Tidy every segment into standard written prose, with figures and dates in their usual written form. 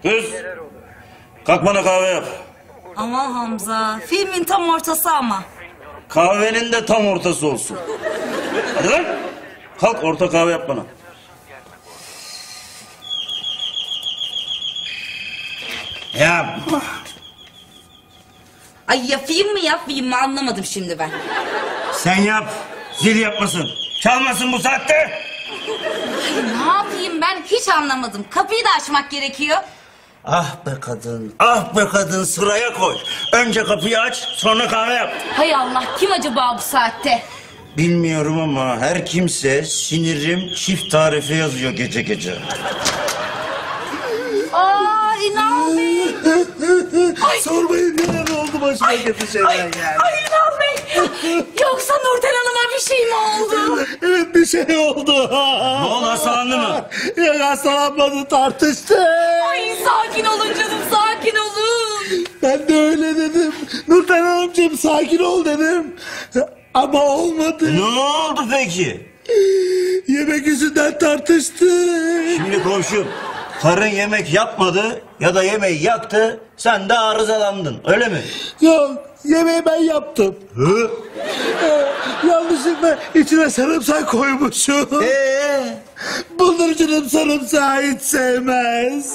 Kız, kalk bana kahve yap. Aman Hamza, filmin tam ortası ama. Kahvenin de tam ortası olsun. Hadi lan. Kalk orta kahve yap bana. Yapma. Ay yapayım mı anlamadım şimdi ben. Sen yap. Zil yapmasın. Çalmasın bu saatte. Ay, ne yapayım ben hiç anlamadım. Kapıyı da açmak gerekiyor. Ah be kadın, ah be kadın, sıraya koy. Önce kapıyı aç, sonra kahve yap. Hay Allah, kim acaba bu saatte? Bilmiyorum ama her kimse sinirim çift tarife yazıyor gece gece. Aa, İnan Bey. Sormayın neler oldu başıma kötü şeyler geldi. Ay İnan Bey. Yoksa Nurten Hanım'a bir şey mi oldu? Evet bir şey oldu. Ne oldu, hastalandı mı? Yok hastalanmadı, tartıştı. Ay sakin olun canım, sakin olun. Ben de öyle dedim. Nurten Hanımcığım sakin ol dedim. Ama olmadı. Ne oldu peki? Yemek yüzünden tartıştı. Şimdi komşum, karın yemek yapmadı ya da yemeği yaktı, sen de arızalandın, öyle mi? Yok yemeği ben yaptım. Hı? Yanlışlıkla içine sarımsak koymuşum. Buldurucunun sarımsağı hiç sevmez.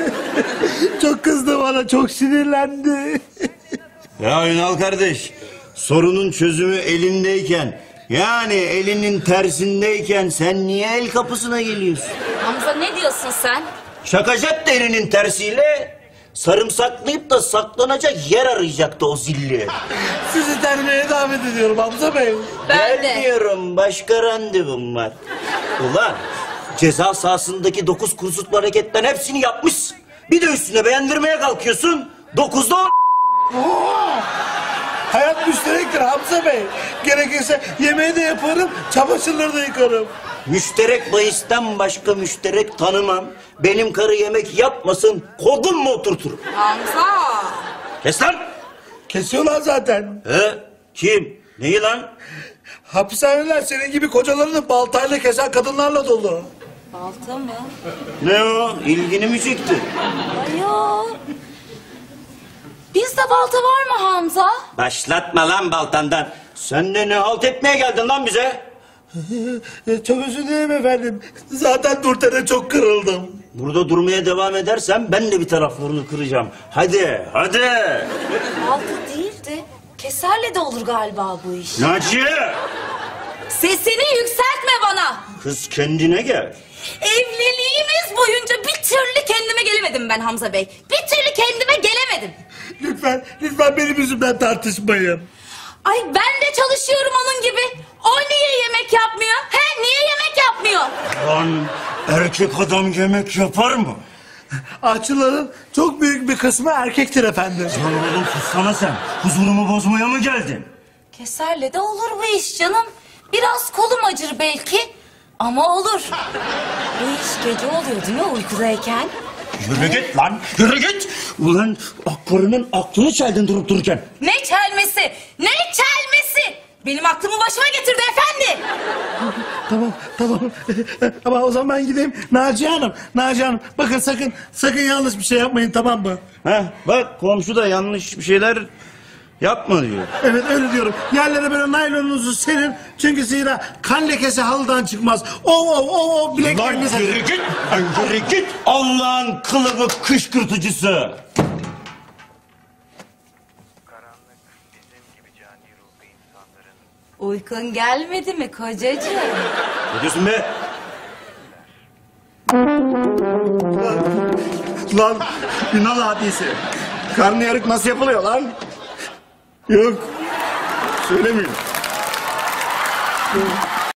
Çok kızdı bana, çok sinirlendi. Ya Ünal kardeş, sorunun çözümü elindeyken, yani elinin tersindeyken sen niye el kapısına geliyorsun? Hamza ne diyorsun sen? Şakacak da elinin tersiyle, sarımsaklayıp da saklanacak yer arayacaktı o zilli. Sizi terbiye davet ediyorum Hamza Bey. Ben de. Gelmiyorum, başka randevum var. Ulan ceza sahasındaki 9 kursutlu hareketten hepsini yapmışsın. Bir de üstüne beğendirmeye kalkıyorsun. 9'da 10. Hayat müşterektir Hamza Bey. Gerekirse yemeği de yaparım, çamaşırları da yıkarım. Müşterek bahisten başka müşterek tanımam. Benim karı yemek yapmasın, kodum mu oturturum? Hamza. Kes lan! Kesiyorlar zaten. He? Kim? Neyi lan? Hapishaneler senin gibi kocalarını baltayla kesen kadınlarla dolu. Balta mı? Ne o? İlgini mi çekti? Ay yo. Bizde balta var mı Hamza? Başlatma lan baltandan. Sen de ne halt etmeye geldin lan bize? Çok özür dilerim efendim. Zaten Nurten'e çok kırıldım. Burada durmaya devam edersen ben de bir taraflarını kıracağım. Hadi, hadi. Balta değildi. Keserle de olur galiba bu iş. Naciye! Sesini yükseltme bana. Kız kendine gel. Evliliğimiz boyunca bir türlü kendime gelemedim ben Hamza Bey. Bir türlü kendime gelemedim. Lütfen, lütfen benim yüzümden tartışmayın. Ay ben de çalışıyorum onun gibi. O niye yemek yapmıyor? He niye yemek yapmıyor? Lan erkek adam yemek yapar mı? Aşçıların çok büyük bir kısmı erkektir efendim. Lan oğlum sussana sen. Huzurumu bozmaya mı geldin? Keserle de olur bu iş canım. Biraz kolum acır belki ama olur. Bu iş gece oluyor değil mi uykudayken? Yürü git lan, yürü git. Ulan karının aklını çeldin durup dururken. Ne çelmesi? Ne çelmesi? Benim aklımı başıma getirdi efendi. Tamam, tamam. Ama o zaman ben gideyim. Naciye Hanım. Bakın sakın yanlış bir şey yapmayın, tamam mı? Heh, bak komşu da yanlış bir şeyler yapma diyor. Evet öyle diyorum. Yerlere böyle naylonunuzu serin. Çünkü zira kan lekesi halıdan çıkmaz. O Lan bileklerinize... yürü git, lan yürü git. Allah'ın kılıbık kışkırtıcısı. Karanlık bizim gibi cani ruhlu insanların Uykun gelmedi mi kocacığım? Ne diyorsun be? Lan Ünal hadisi. Karnıyarık nasıl yapılıyor lan? Yok. Söylemiyorum.